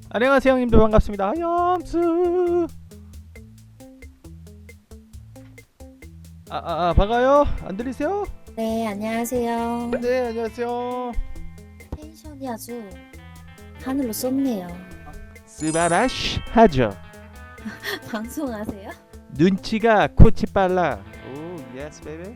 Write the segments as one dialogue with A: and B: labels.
A: 안녕하세요 형님들 반갑습니다. 염수 반가워요. 안 들리세요?
B: 네, 안녕하세요.
A: 네 안녕하세요.
B: 텐션이 아주 하늘로 쏟네요.
A: 스바라시 하죠.
B: 방송하세요?
A: 눈치가 코치 빨라. 오 예스 베이비.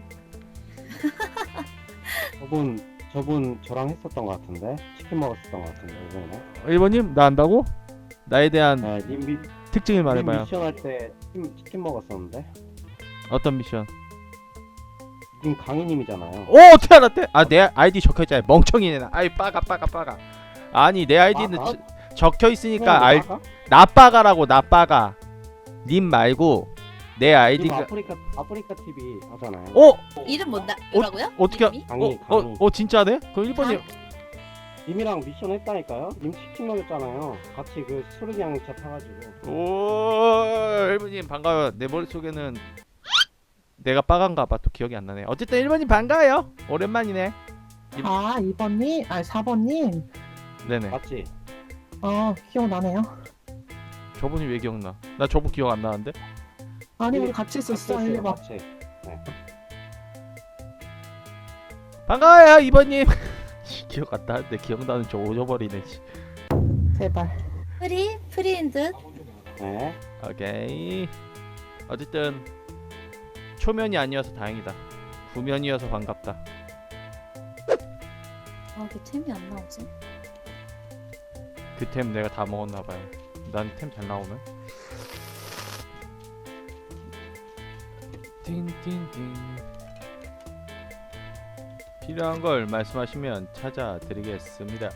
C: 저분 저랑 했었던 것 같은데 치킨 먹었었던 것 같은데 이번에.
A: 1번님 나 안다고? 나에 대한
C: 네, 님
A: 특징을 말해봐요.
C: 미션 할 때 치킨 먹었었는데.
A: 어떤 미션?
C: 님 강희님이잖아요.
A: 오 어떻게 알았대? 아 내 아이디 적혀있잖아 멍청이네 나. 아이 빠가 아니 내 아이디는 적혀있으니까 알 나빠가라고. 나빠가 님 말고 내
C: 님
A: 아이디가
C: 아프리카 TV 하잖아요.
A: 어?
B: 이름 뭐라고요?
A: 어떻게
B: 이름이?
C: 강희.
A: 진짜네? 그럼 1번님
C: 님이랑 미션 했다니까요. 님 치킨 먹였잖아요. 같이 그 수르기양차 타가지고.
A: 오 1번님 반가워요. 내 머릿속에는 내가 빠간가봐 또 기억이 안 나네. 어쨌든 1번님 반가워요. 오랜만이네.
D: 아, 2번님? 아, 4번님?
A: 네네.
C: 맞지?
D: 기억나네요.
A: 저분이 왜 기억나? 나 저분 기억 안 나는데?
D: 아니, 우리 같이 있었어, 1번.
C: 같이.
A: 반가워요 2번님. 기억 안 나는데 기억나는 저 잊어버리네.
D: 제발.
B: 프리인 듯?
C: 네.
A: 오케이. 어쨌든 초면이 아니어서 다행이다. 구면이어서 반갑다.
B: 왜 템이 안 나오지?
A: 그 템 내가 다 먹었나봐요. 난 템 잘 나오네. 띵띵띵. 필요한 걸 말씀하시면 찾아드리겠습니다.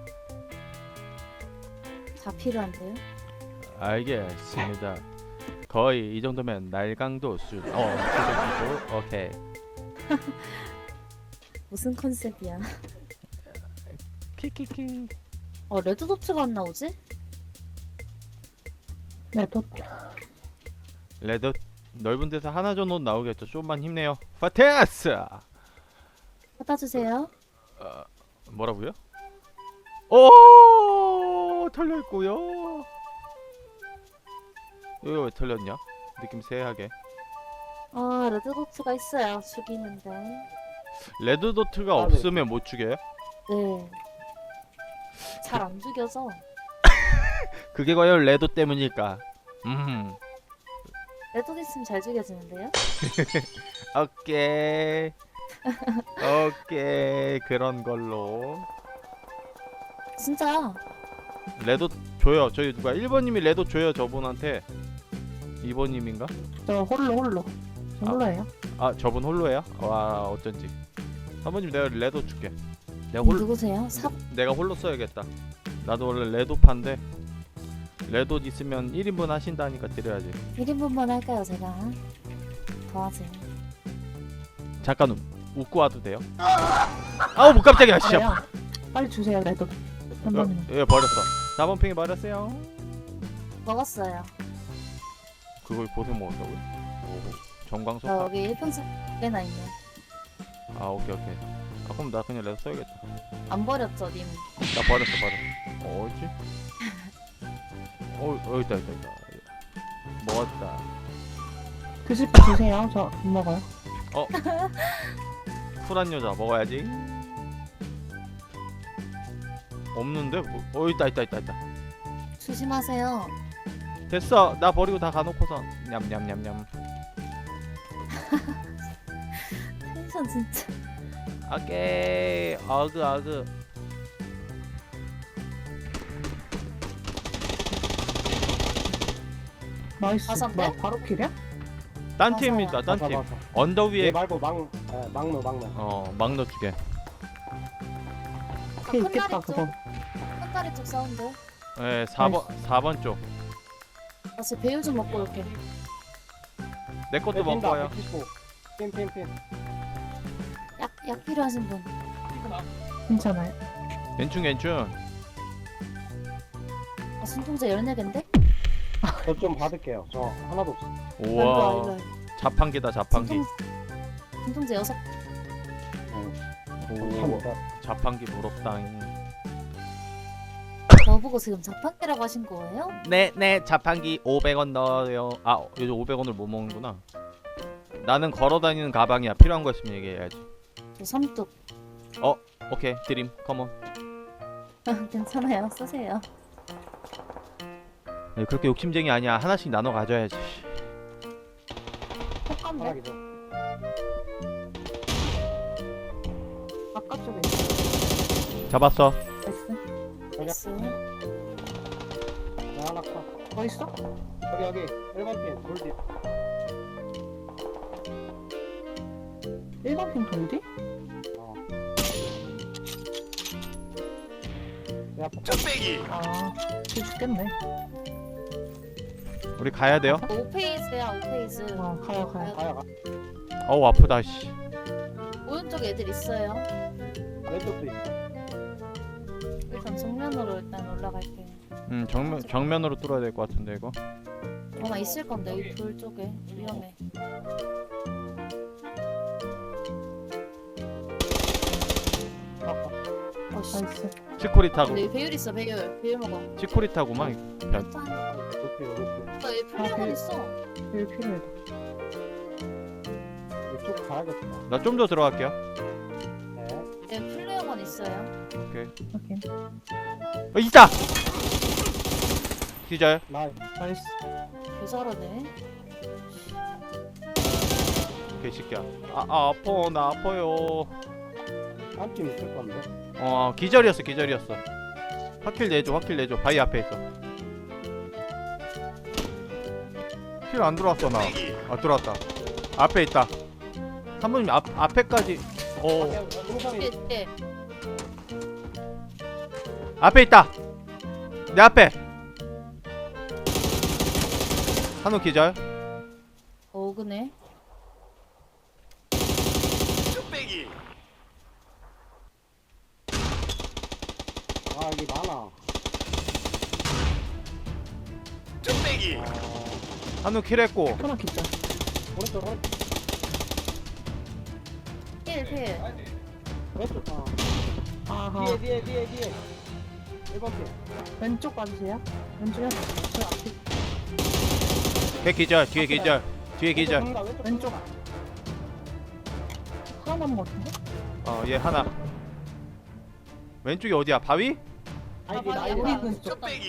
B: 다 필요한데요?
A: 알겠습니다. 거의 이 정도면 날강도 수준. 수준이고 오케이.
B: 무슨 컨셉이야?
A: 키키키.
B: 레드도트가 안 나오지?
D: 네, 또,
A: 레드 넓은 데서 하나 정도 나오겠죠. 좀만 힘내요. 파테스.
B: 받아주세요.
A: 뭐라고요? 오 털려 있고요. 이거 왜 털렸냐? 느낌 세하게.
B: 레드도트가 있어야 죽이는데.
A: 레드 도트가
C: 네.
A: 없으면 못 죽여요?
B: 네. 잘 안 죽여서.
A: 그게 과연 레드 때문일까?
B: 레드도 있으면 잘 죽여지는데요?
A: 오케이. 오케이 그런 걸로.
B: 진짜.
A: 레드 줘요. 저희 누가 1번님이 레드 줘요 저분한테. 2번님인가?
D: 저 홀로. 저 홀로예요.
A: 아 저분 홀로예요? 와 어쩐지. 3번님 내가 레드 줄게.
B: 누구세요?
A: 내가 홀로 써야겠다. 나도 원래 레도파인데 레도 있으면 1인분 하신다니까 드려야지.
B: 1인분만 할까요, 제가? 더하지.
A: 잠깐 웃고 와도 돼요? 아우 뭐 깜짝이야 씨.
D: 그래요. 빨리 주세요, 레도. 3번님.
A: 예 버렸어. 4번 팽이 버렸어요.
B: 먹었어요.
A: 그걸 고생 먹었다고요? 오 정광석.
B: 여기 1평생 꽤나 있네.
A: 아 오케이. 아 그럼 나 그냥 레도 써야겠다.
B: 안 버렸죠, 님?
A: 나 버렸어. 어딨지? 있다. 먹었다.
D: 드실 거 주세요. 저 안 먹어요.
A: 쿨한 여자 먹어야지. 없는데? 있다.
B: 조심하세요.
A: 됐어. 나 버리고 다 가놓고서 냠냠냠냠.
B: 텐션 진짜.
A: 오케이. 아그.
D: 나이스.
B: 다섯 개?
D: 뭐야, 바로 킬이야?
A: 딴 팀입니다. 딴 팀. 언더
C: 얘
A: 위에
C: 말고 막노.
A: 막 넣어주게.
D: 킬
B: 큰
D: 있겠다,
B: 다리
D: 그거.
B: 큰 다리 쪽 사운드.
A: 네 4번 쪽.
B: 나 지금 배율 좀 먹고 올게.
A: 내 것도 먹고 와요.
C: 핀.
B: 약 필요하신 분.
D: 괜찮아요.
A: 괜춘.
B: 순통제 14개인데?
C: 저 좀 받을게요. 저 하나도 없어.
A: 우와. 자판기다 자판기.
B: 순통제 6.
A: 오.
C: 감사합니다.
A: 자판기 부럽다잉.
B: 저분 저보고 지금 자판기라고 하신 거예요?
A: 네네 자판기 500원 넣어요. 아 요즘 500원을 못 먹는구나. 나는 걸어다니는 가방이야. 필요한 거 있으면 얘기해야지.
B: 저 삼뚝.
A: 오케이 드림 컴온.
B: 괜찮아요. 쓰세요.
A: 네, 그렇게 욕심쟁이 아니야. 하나씩 나눠 가져야지.
D: 똑같네.
C: 파락이죠.
D: 바깥쪽에 있어.
A: 잡았어.
D: 나이스.
B: 나이스.
C: 나 하나 컷.
D: 뭐 있어?
C: 여기 1번 핀 돌디.
D: 1번 핀 돌디?
C: 어. 야,
D: 아, 뒤 죽겠네.
A: 우리 가야 돼요.
B: 오페이즈야 오페이즈.
D: 가요.
C: 가야 가.
A: 어우 아프다 씨.
B: 오른쪽에 애들 있어요.
C: 왼쪽도 있어.
B: 일단 정면으로 일단 올라갈게요.
A: 정면으로 뚫어야 될 것 같은데 이거.
B: 아마 있을 건데 이 돌 쪽에 위험해. 어씨.
D: 나이스.
A: 치코리 타고.
B: 근데 배율 있어 배율. 배율 먹어.
A: 치코리 타고만.
B: 괜찮아.
C: 높이 높이.
B: 얘 플레어건 있어.
D: 여기 필요해.
C: 이쪽 가야겠다.
A: 나 좀 더 들어갈게요.
C: 네.
B: 얘 플레어건 있어요.
A: 오케이.
D: 확인.
A: 있다. 기절.
C: 나
D: 나이스.
B: 개잘하네.
A: 개새끼야. 아파 나 아파요.
C: 한 팀 있을 건데.
A: 기절이었어. 확킬 내줘. 바위 앞에 있어. 킬 안 들어왔어 나. 들어왔다. 앞에 있다. 사모님 앞에까지.
C: 용산이
B: 예.
A: 앞에 있다. 내 앞에. 한우 기절.
B: 어그네.
C: 아 여기 많아.
A: 한우 킬했고.
D: 하나 기자.
C: 오른쪽
B: 필.
C: 왼쪽.
D: 아하.
C: 뒤에. 1번 핀.
D: 왼쪽 봐주세요. 왼쪽에 저 앞에.
A: 걔 기절. 뒤에 기절.
D: 왼쪽. 하나 남은 것 같은데?
A: 얘 하나. 왼쪽이 어디야? 바위?
C: 아니
B: 바위
C: 나이
B: 앞에
C: 한
B: 붙였다.
C: 발이.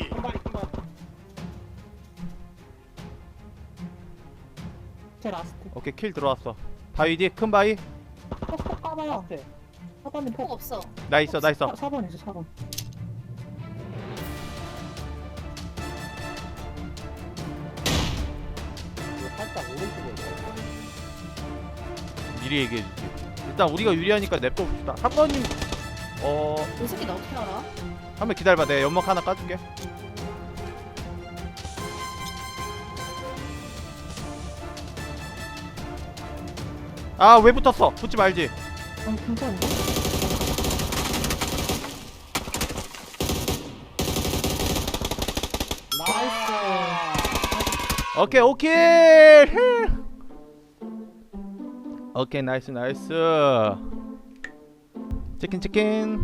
D: 제 라스트.
A: 오케이 킬 들어왔어. 바위 뒤 큰 바위.
D: 폭 까봐요.
C: 앞에.
D: 4번이
B: 폭
D: 폭.
B: 없어.
A: 나 있어.
D: 4번 있어 4번.
C: 살짝 오른쪽에 있어.
A: 미리 얘기해줄게. 일단 우리가 유리하니까 냅둬 봅시다. 한 번님
B: 이 새끼 나 어떻게 알아?
A: 한 번 기다려봐. 내가 연막 하나 까줄게. 왜 붙었어? 붙지 말지.
D: 괜찮은데?
C: 나이스.
A: 오케이. 오케이 나이스. 치킨.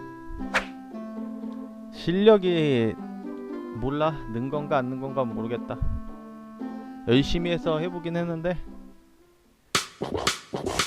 A: 실력이 몰라. 는 건가 안 는 건가 모르겠다. 열심히 해서 해보긴 했는데